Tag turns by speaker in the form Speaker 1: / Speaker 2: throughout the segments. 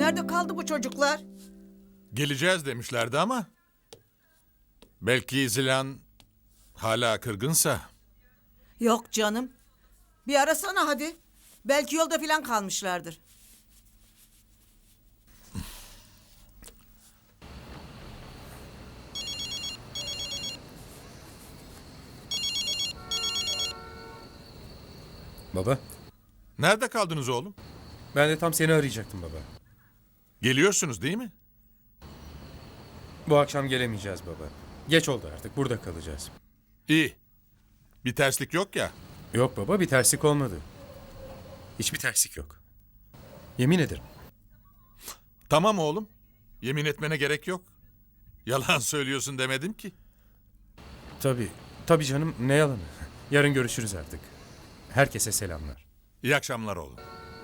Speaker 1: Nerede kaldı bu çocuklar?
Speaker 2: Geleceğiz demişlerdi ama... Belki Zilan hala kırgınsa...
Speaker 1: Yok canım. Bir arasana hadi. Belki yolda falan kalmışlardır.
Speaker 3: Baba,
Speaker 2: Nerede kaldınız oğlum?
Speaker 3: ben de tam seni arayacaktım baba.
Speaker 2: Geliyorsunuz değil mi?
Speaker 3: Bu akşam gelemeyeceğiz baba. Geç oldu artık, burada kalacağız.
Speaker 2: İyi. Bir terslik yok ya.
Speaker 3: Yok baba, bir terslik olmadı. Hiçbir terslik yok. Yemin ederim.
Speaker 2: Tamam oğlum. Yemin etmene gerek yok. Yalan söylüyorsun demedim ki.
Speaker 3: Tabii canım, ne yalanı. Yarın görüşürüz artık. Herkese selamlar.
Speaker 2: İyi akşamlar oğlum.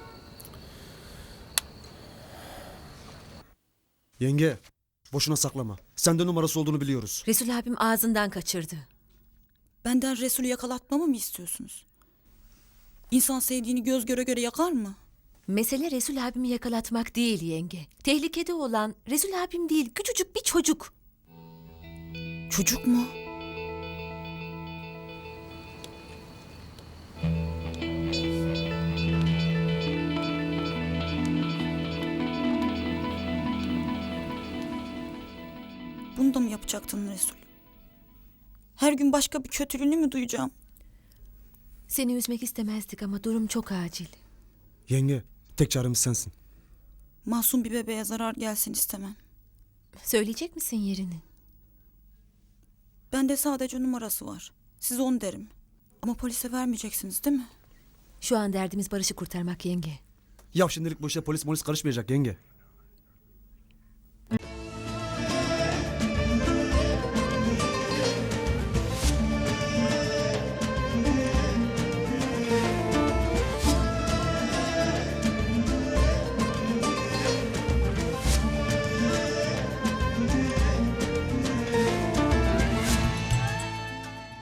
Speaker 4: Yenge, boşuna saklama. Sende numarası olduğunu biliyoruz.
Speaker 5: Resul abim ağzından kaçırdı.
Speaker 6: Benden Resul'ü yakalatmamı mı istiyorsunuz? İnsan sevdiğini göz göre göre yakar mı?
Speaker 5: Mesele Resul abimi yakalatmak değil yenge. Tehlikede olan Resul abim değil, küçücük bir çocuk.
Speaker 6: Çocuk mu? Bunu da mı yapacaktın Resul? Her gün başka bir kötülüğünü mü duyacağım?
Speaker 5: Seni üzmek istemezdik ama durum çok acil.
Speaker 4: Yenge, tek çaremiz sensin.
Speaker 6: Masum bir bebeğe zarar gelsin istemem.
Speaker 5: Söyleyecek misin yerini?
Speaker 6: Bende sadece numarası var. Size onu derim. Ama polise vermeyeceksiniz değil mi?
Speaker 5: Şu an derdimiz Barış'ı kurtarmak yenge.
Speaker 4: Ya şimdilik bu işe polis karışmayacak yenge.